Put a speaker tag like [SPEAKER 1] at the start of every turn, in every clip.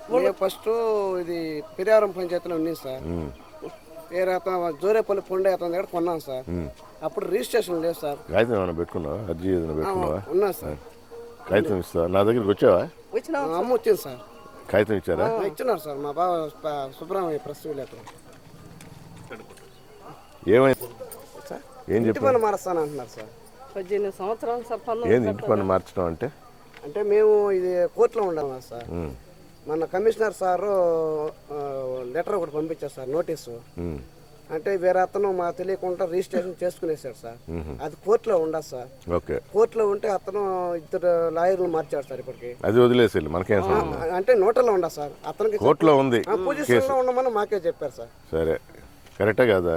[SPEAKER 1] మేము ఫస్ట్ ఇది పెరియారం పంచాయతీలో ఉంది సార్. వేరే అతను జోరేపల్లి పొండే అతని దగ్గర కొన్నాం సార్. అప్పుడు రిజిస్ట్రేషన్ లేదు సార్.
[SPEAKER 2] కాగితం ఏమైనా పెట్టుకున్నావా? అర్జీ ఏదైనా పెట్టుకున్నావా?
[SPEAKER 1] ఉన్నా సార్.
[SPEAKER 2] కాగితం ఇస్తా, నా దగ్గరికి వచ్చావా?
[SPEAKER 1] అమ్మ వచ్చింది సార్.
[SPEAKER 2] కాగితం ఇచ్చారా?
[SPEAKER 1] ఇచ్చినారు సార్ మా బావ సుబ్రహ్మణ్య ప్రెస్ విలేకరు.
[SPEAKER 2] ఏమైంది? ఏం
[SPEAKER 1] ఇంటి
[SPEAKER 2] చెప్పారు?
[SPEAKER 1] పన్ను మారుస్తాను అంటున్నారు సార్.
[SPEAKER 3] 18 సంవత్సరాలు సార్.
[SPEAKER 2] ఏంది ఇంటి పన్ను మార్చడం అంటే?
[SPEAKER 1] అంటే మేము ఇది కోర్టులో ఉండాలి సార్. మన కమిషనర్ సారు లెటర్ ఒకటి పంపించారు సార్, నోటీసు. అంటే వేరే అతను మాకు తెలియకుండా రిజిస్ట్రేషన్ చేసుకునేసాడు సార్. అది కోర్టులో ఉండదు సార్.
[SPEAKER 2] ఓకే,
[SPEAKER 1] కోర్టులో ఉంటే అతను ఇద్దరు లాయర్లు మార్చాడు సార్. ఇప్పటికి
[SPEAKER 2] అది వదిలేసి మనకేం సంబంధం?
[SPEAKER 1] అంటే నోటలో ఉండదు సార్. అతనికి
[SPEAKER 2] కోర్టులో ఉంది
[SPEAKER 1] పొజిషన్ లో ఉండమని మాకే చెప్పారు సార్.
[SPEAKER 2] సరే, కరెక్టే కదా?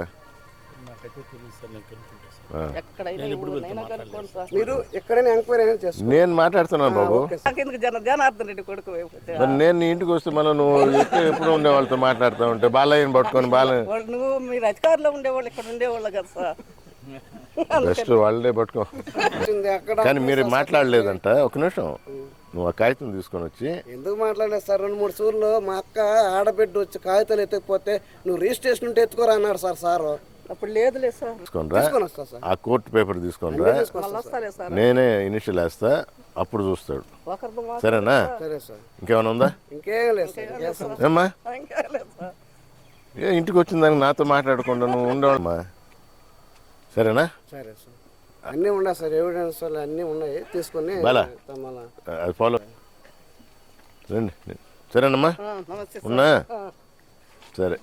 [SPEAKER 1] మీరు ఎక్కడైనా ఎంక్వైరీ అయినా చేసుకోండి.
[SPEAKER 2] నేను మాట్లాడుతున్నాను బాబు.
[SPEAKER 3] జనార్దన్ రెడ్డి కొడుకు.
[SPEAKER 2] మరి నేను నీ ఇంటికి వస్తే మళ్ళీ నువ్వు ఎప్పుడు ఉండే వాళ్ళతో మాట్లాడుతూ ఉంటే బాలయ్యని పట్టుకొని
[SPEAKER 3] నువ్వు మీరు అధికారంలో ఉండేవాళ్ళు ఇక్కడ ఉండేవాళ్ళు కదా సార్.
[SPEAKER 2] బెస్ట్ వాళ్ళే పట్టుకో. కానీ మీరు మాట్లాడలేదంట. ఒక నిమిషం, నువ్వు ఆ కాగితం తీసుకొని వచ్చి.
[SPEAKER 1] ఎందుకు మాట్లాడలేదు సార్? 2-3 సూర్లు మా అక్క ఆడబిడ్డ వచ్చి కాగితాలు ఎత్తకపోతే నువ్వు రిజిస్ట్రేషన్ ఉంటే ఎత్తుకోరా అన్నాడు సార్. సారు
[SPEAKER 3] అప్పుడు లేదులే సార్.
[SPEAKER 1] తీసుకొని వస్తా సార్.
[SPEAKER 2] ఆ కోర్టు పేపర్ తీసుకొని రా, నేనే ఇనిషియల్ వేస్తా, అప్పుడు చూస్తాడు. సరేనా?
[SPEAKER 1] సరే సార్.
[SPEAKER 2] ఇంకేమైనా ఉందా?
[SPEAKER 1] ఇంకేం లేదు సార్.
[SPEAKER 2] ఏమ్మా, ఇంటికి వచ్చిన దానికి నాతో మాట్లాడకుండా నువ్వు ఉండవమ్మా. సరేనా?
[SPEAKER 1] సరే సార్. అన్నీ ఉన్నాయి సార్, ఎవిడెన్స్ అన్నీ ఉన్నాయి. తీసుకొని
[SPEAKER 2] అది ఫాలో రండి. సరేనమ్మా, ఉన్నా? సరే.